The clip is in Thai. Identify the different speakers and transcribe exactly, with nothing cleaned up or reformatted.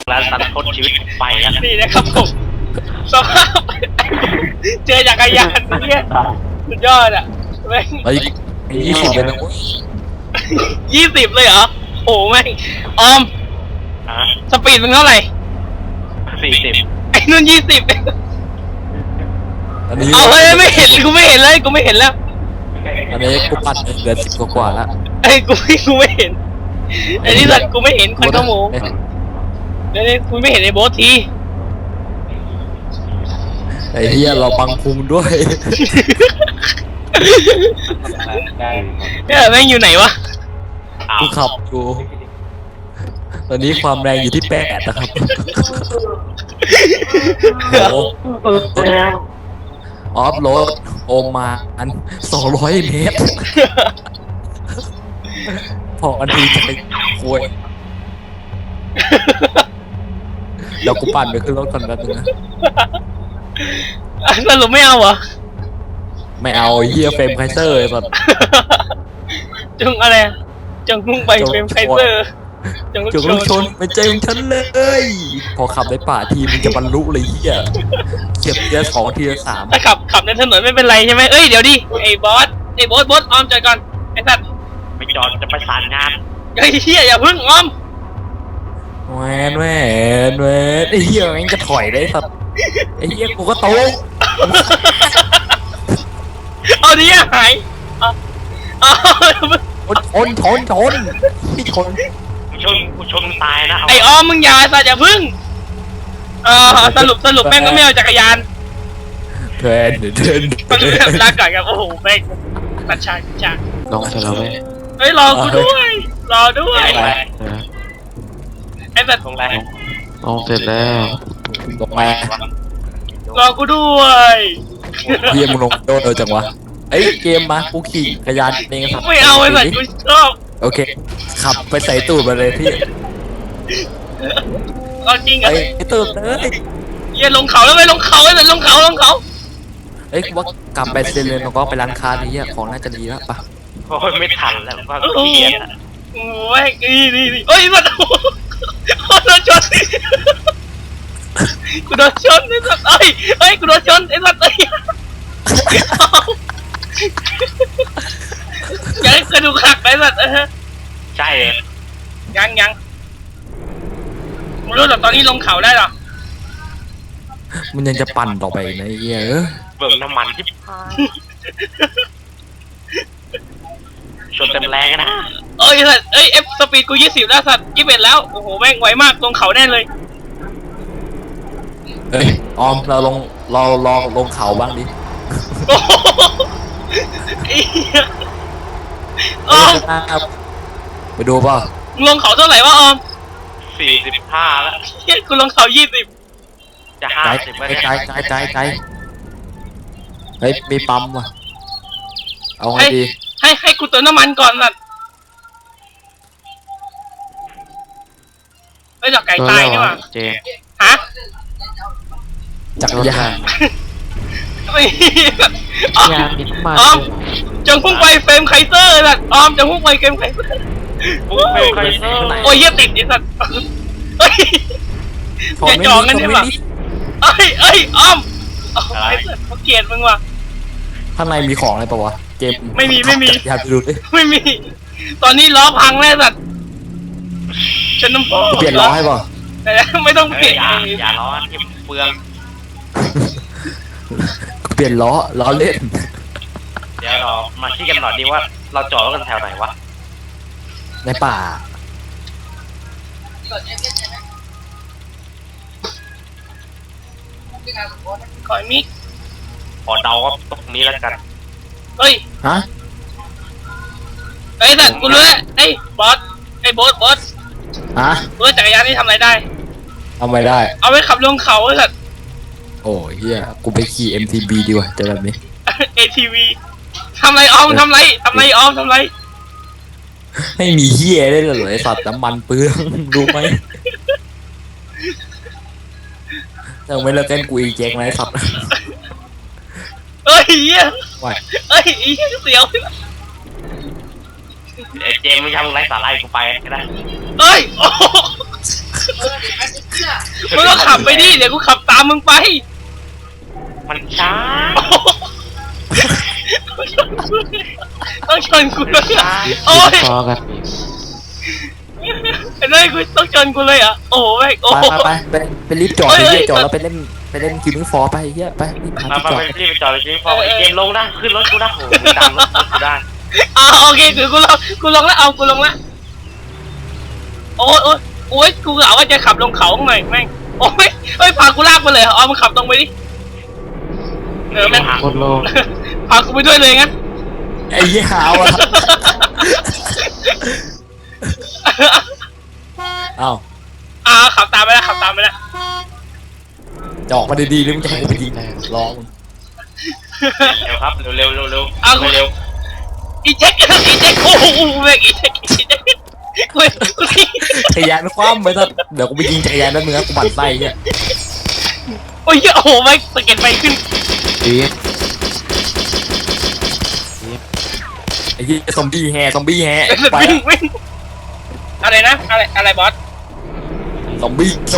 Speaker 1: แล้วตัดทดชีวิตไปแล้ว
Speaker 2: นี่นะครับผมสภาพเจอจักรยานเนี่ยสุดยอดอ่ะแม่ง
Speaker 3: ไอ้ยี่สิบเลยนะ
Speaker 2: ยี่สิบเลยเหรอโอ้แม่งออมสปีดมึงเท่าไหร่
Speaker 1: สี่สิบ
Speaker 2: ไอ้นุ่นยี่สิบเอาเฮ้ยไม่เห็นกูไม่เห็นเลยกูไม่เห็นแล้ว
Speaker 3: อันนี้กูปั่นเหลือสิบกว่าแล้ว
Speaker 2: ไอ้กูไม่กูไม่เห็นไอ้นี่สัตว์กูไม่เห็นคนขโมยเดี๋ยวนี้กูไม่เห็นไอ้โบ๊ทที
Speaker 3: ไอ้เหี้ยเราบังพุงด้วย
Speaker 2: เนี่ยแม่งอยู่ไหนวะ
Speaker 3: กูขับอยู่ตอนนี้ความแรงอยู่ที่แปดนะครับออฟโรดโอมาอันสองร้อยเมตรพออันทีจะไปคุยเดี๋ยวกูปั่นไปขึ้นรถก่อนแป๊บนึงนะ
Speaker 2: สรุปไม่เอาเหรอ
Speaker 3: ไม่เอาเฮียเฟรมไคเซอร์ไอ้สัส
Speaker 2: จงอะไรจงมุ่งไปเฟรมไคเซอร์
Speaker 3: จงลูกชนไปเจมฉันเลยพอขับในป่าทีมันจะบรรลุเลยเฮียเก็บทีละสองทีละสาม
Speaker 2: ถ้าขับขับในถนนไม่เป็นไรใช่ไหมเอ้ยเดี๋ยวดิไอ้บอสไอ้บอสบอสออมจอดก่อนไอ้สัตว์
Speaker 1: ไปจอดจะประสานงาน
Speaker 2: ไอ้เฮียอย่าพึ่งออม
Speaker 3: แหวนแหวนแหวนไอ้เฮียมันจะถอยได้สัตว์ไอ้เฮียกูก็โต
Speaker 2: เอาดิหายเอา
Speaker 3: ชนชนชนพี่ชน
Speaker 1: กูชนกูชนตายนะ
Speaker 2: ไอ้ออมมึงอย่าสัตว์อย่าพึ่งเออสรุปสรุปแม่งก็ไม่เอาจักรยาน
Speaker 3: เดินเดิน
Speaker 2: มันลาก่อนครับโอ้โหแม่งตัดฉากฉาก
Speaker 3: ลองให้เราไหม
Speaker 2: เฮ้ยรอกูด้วยรอด้วยไอ้แบบ
Speaker 1: ตรงแรง
Speaker 3: ลองเสร็จแล้วลงมาร
Speaker 2: อกูด้วย
Speaker 3: เฮียมึงลงโดนเออจังวะไอ้เกมมากูขี่จักรยานเองครับ
Speaker 2: ไม่เอาไอ้แบบกูชอบ
Speaker 3: โอเคขับไปใส่ตูดมาเลยพี่
Speaker 2: เอาจริงอ่ะ
Speaker 3: ไอ้ตูดเลย
Speaker 2: เยี่ยลงเขาแล้วไปลงเขาไอ้แบบลงเขาลงเขา
Speaker 3: เอ้ยว่ากลับไปเซเลนแล้วก็ไปร้านค้านี่ของน่าจะดีแล้วปะ
Speaker 1: โอ้ยไม่ทันแล้วว่าเกียร์
Speaker 2: โอ้ยนี่นี่นี่โอ้ยมันโดนชนกูโดนชนไอ้สัตว์เอ้ยเอ้ยกูโดนชนไอ้สัตว์เอ้ยยังกระดูกหักไอ้สัตว์เออ
Speaker 1: ใช่
Speaker 2: ยังยังไม่รู้หรอกตอนนี้ลงเขาได้หรอ
Speaker 3: มันยังจะปั่นต่อไปนะเหี้ย
Speaker 1: เบิ่งน้ำมันที่ชนเต็มแรงนะ
Speaker 2: เอ้ยสัตว์เอ้ยเอฟสปีดกูยี่สิบแล้วสัตว์ยี่สิบเอ็ดแล้วโอ้โหแม่งไวมากลงเขาแน่เลย
Speaker 3: เฮ้ยออมเราลงเราลองลงเขาบ้างดิ
Speaker 2: ออม
Speaker 3: ไปดูป่ะ
Speaker 2: ลงเขาเท่าไหร่วะออม
Speaker 1: สี่สิบห้าแล้ว
Speaker 2: เฮ้ยกูลงเขายี่สิบ
Speaker 1: จะห้าสิบ
Speaker 3: ไกลไกลไกลไกลไกลเฮ้ยมีปั๊มว่ะเอาไงดี
Speaker 2: ให้ให้กูเติมน้ำมันก่อนสัตว์เฮ้ยดอกไก่ตายนี่หว่า
Speaker 1: เจ
Speaker 2: ฮะ
Speaker 3: จักรยาน
Speaker 2: ไม่ออมออมจงพุ่งไปเฟรมไคเซอร์สัตว์ออมจงพุ่งไปเฟรมไคเซอร์
Speaker 1: พุ่งไปไคเซอร์
Speaker 2: โอ้ยเยี่ยติดดิสัตว์เฮ้ยอย่าจ่อกันใช่ปะเอ้ยเอ้ยออมไอ้สัตว์เขาเกลียดมึงว่ะ
Speaker 3: ข้างในมีของอะไรปะวะเกม
Speaker 2: ไม่มีไม่มี
Speaker 3: อยากดูดิ
Speaker 2: ไม่มีตอนนี้ล้อพังแล้วสัตว์ฉันน้ำพ่อ
Speaker 3: เปลี่ยนล้อให้ป่ะ
Speaker 2: ไม่ต้องเปลี่ยน
Speaker 1: อย่าล้อที่เปลือง
Speaker 3: เปลี่ยนล้อล้อเล่น
Speaker 1: เดี๋ยวเรามาคิดกันหน่อยดีว่าเราจอดรถกันแถวไหนวะ
Speaker 3: ในป่า
Speaker 2: ขอมิก
Speaker 1: ขอเดาว่าตรงนี้แล้วกัน
Speaker 2: เฮ้ย
Speaker 3: ฮะ
Speaker 2: ไอ้สัตว์กูรู้แล้วไอ้บอสไอ้บอสบอส
Speaker 3: ฮะ
Speaker 2: รถจักรยานนี่ทำอะไรได้
Speaker 3: ทำอะไรได้
Speaker 2: เอาไปขับลงเขาไอ้สัตว์
Speaker 3: โอ้เฮียกูไปขี่ เอ็ม ที บี ดีกว่าเจอแบบนี้
Speaker 2: เอ ที วี ทำไรออมทำไรทำไรออมทำไร
Speaker 3: ไม่มีเฮียได้เลยไอ้สัตว์น้ำมันเปลืองรู้ไหมยังไม่เลิกเล่นกูอีกแจ็คไหมสัตว์
Speaker 2: เอ้ยเหี้ยเอ้ยอีเสียว
Speaker 1: เจมไม่ทำไรสาระกูไปก็ได้
Speaker 2: เอ้ยมึงก็ขับไปดิเดี๋ยวกูขับตามมึงไป
Speaker 1: มันช้า
Speaker 2: ต้องชนกูเลยอ่ะโอ้ย
Speaker 4: พอกัน
Speaker 2: ไอ้นี่กูต้องชนกูเลยอ่ะโอ้ยโอ้
Speaker 3: ไปไปไปไปไปรีบจอดไปรีบจอดแล้วไปเล่นไปเล่นคิวบิ้งฟอร์ไปเฮียไปรีบหา
Speaker 1: มา
Speaker 3: ที่
Speaker 1: มา
Speaker 3: จอด
Speaker 1: ไปรีบไปจอดเลยจริงพอไอเกมลงนะขึ้นรถกูนะโอ้โหตามรถกูได้
Speaker 2: อ่าโอเคคือกูลงกูลงแล้วเอากูลงแล้วโอ้ยโอ้ยโอ้ยกูกะว่าจะขับลงเขาหน่อยแม่งโอ้ยเฮ้ยพากูลากไปเลยเอามึงขับตรงไปดิเออแม่ง
Speaker 4: โคตรโลง
Speaker 2: พากูไปด้วยเลยงั้น
Speaker 3: ไอ้เหี้ยหาวอ่ะเอ้า
Speaker 2: อ่าขับตามไปแล้วขับตามไปแล้ว
Speaker 3: จะออกมาดีๆหรือมึงจะให้กูไปยิงร้อง
Speaker 1: เร็วครับเร็วเร็วเร็วเร็ว
Speaker 2: เอา
Speaker 1: เร็ว
Speaker 2: อีแจ็คอีแจ็คโอ้โหแม่งอีแจ็คอีแจ็คกูกูที่
Speaker 3: จักรยานคว่ำไปซะเดี๋ยวกูไปยิงจักรยานนั่นมึงนะกูหมั่นไส้เนี่ย
Speaker 2: โอ้ยโอ้โหแม่งสะเก็ดไฟขึ้น
Speaker 4: ดี
Speaker 3: ไอ้เหี้ยซอมบี้แฮซอมบี้แฮไป
Speaker 2: วิ่งวิ่งอะไรนะอะไรอะไรบอส
Speaker 3: ซอมบี้